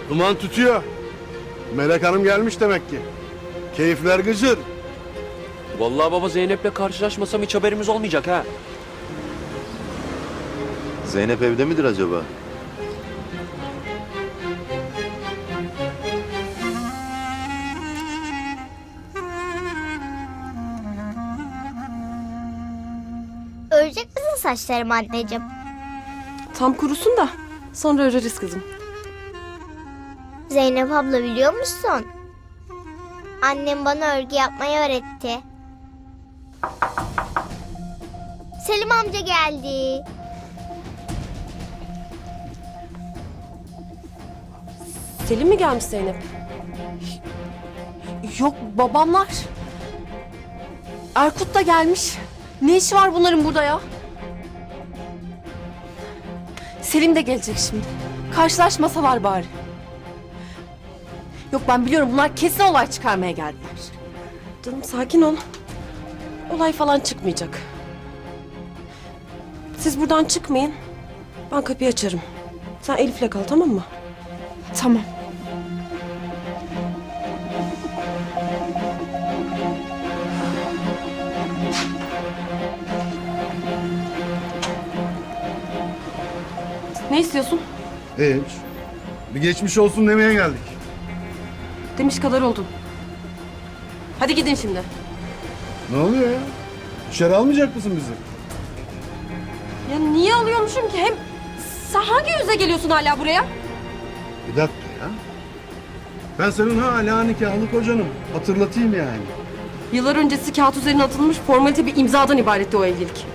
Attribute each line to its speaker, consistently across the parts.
Speaker 1: Duman tütüyor. Melek Hanım gelmiş demek ki. Keyifler gıcır.
Speaker 2: Vallahi baba Zeynep'le karşılaşmasam hiç haberimiz olmayacak ha.
Speaker 3: Zeynep evde midir acaba?
Speaker 4: Örecek misin saçlarımı anneciğim?
Speaker 5: Tam kurusun da sonra öreriz kızım.
Speaker 4: Zeynep abla biliyor musun? Annem bana örgü yapmayı öğretti. Selim amca geldi.
Speaker 5: Selim mi gelmiş Zeynep? Yok babamlar. Erkut da gelmiş. Ne işi var bunların burada ya? Selim de gelecek şimdi. Karşılaşmasalar bari. Yok ben biliyorum bunlar kesin olay çıkarmaya geldiler. Canım sakin ol. Olay falan çıkmayacak. Siz buradan çıkmayın. Ben kapıyı açarım. Sen Elif'le kal tamam mı? Tamam. Ne istiyorsun?
Speaker 1: Hiç. Bir geçmiş olsun demeye geldik.
Speaker 5: Demiş kadar oldun. Hadi gidin şimdi.
Speaker 1: Ne oluyor ya? İçeri almayacak mısın bizi?
Speaker 5: Ya niye alıyormuşum ki? Hem sen hangi yüze geliyorsun hala buraya?
Speaker 1: Bir dakika ya. Ben senin hala nikahlı kocanım. Hatırlatayım yani.
Speaker 5: Yıllar öncesi kağıt üzerine atılmış formalite bir imzadan ibaretti o evlilik.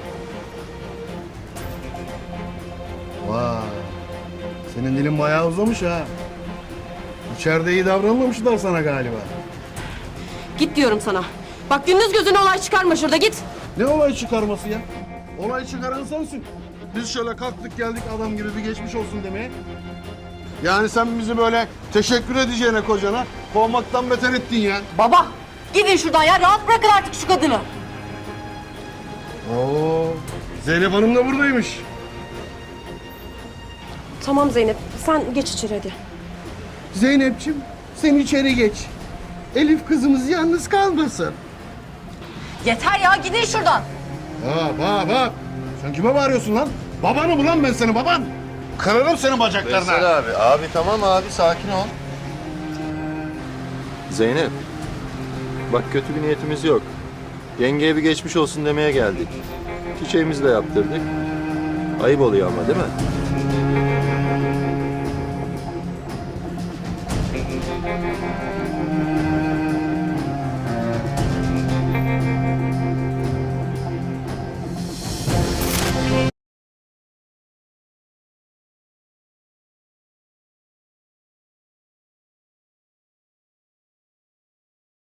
Speaker 1: Vay. Senin dilin bayağı uzamış ha. İçeride iyi davranmamışlar sana galiba.
Speaker 5: Git diyorum sana. Bak gündüz gözüne olay çıkarma şurada git.
Speaker 1: Ne olay çıkarması ya? Olay çıkaran sensin. Biz şöyle kalktık geldik adam gibi bir geçmiş olsun demeye. Yani sen bizi böyle teşekkür edeceğine kocana kovmaktan beter ettin ya.
Speaker 5: Baba gidin şuradan ya rahat bırakın artık şu kadını.
Speaker 1: Oo, Zeynep Hanım da buradaymış.
Speaker 5: Tamam Zeynep sen geç içeri hadi.
Speaker 1: Zeynep'ciğim sen içeri geç. Elif kızımız yalnız kalmasın.
Speaker 5: Yeter ya gidin şuradan.
Speaker 1: Bak. Sen kime bağırıyorsun lan? Babanı mı lan ben senin baban? Kırarım senin bacaklarına.
Speaker 3: Veysel abi. Abi tamam abi sakin ol. Zeynep. Bak kötü bir niyetimiz yok. Yengeye bir geçmiş olsun demeye geldik. Çiçeğimizi de yaptırdık. Ayıp oluyor ama değil mi?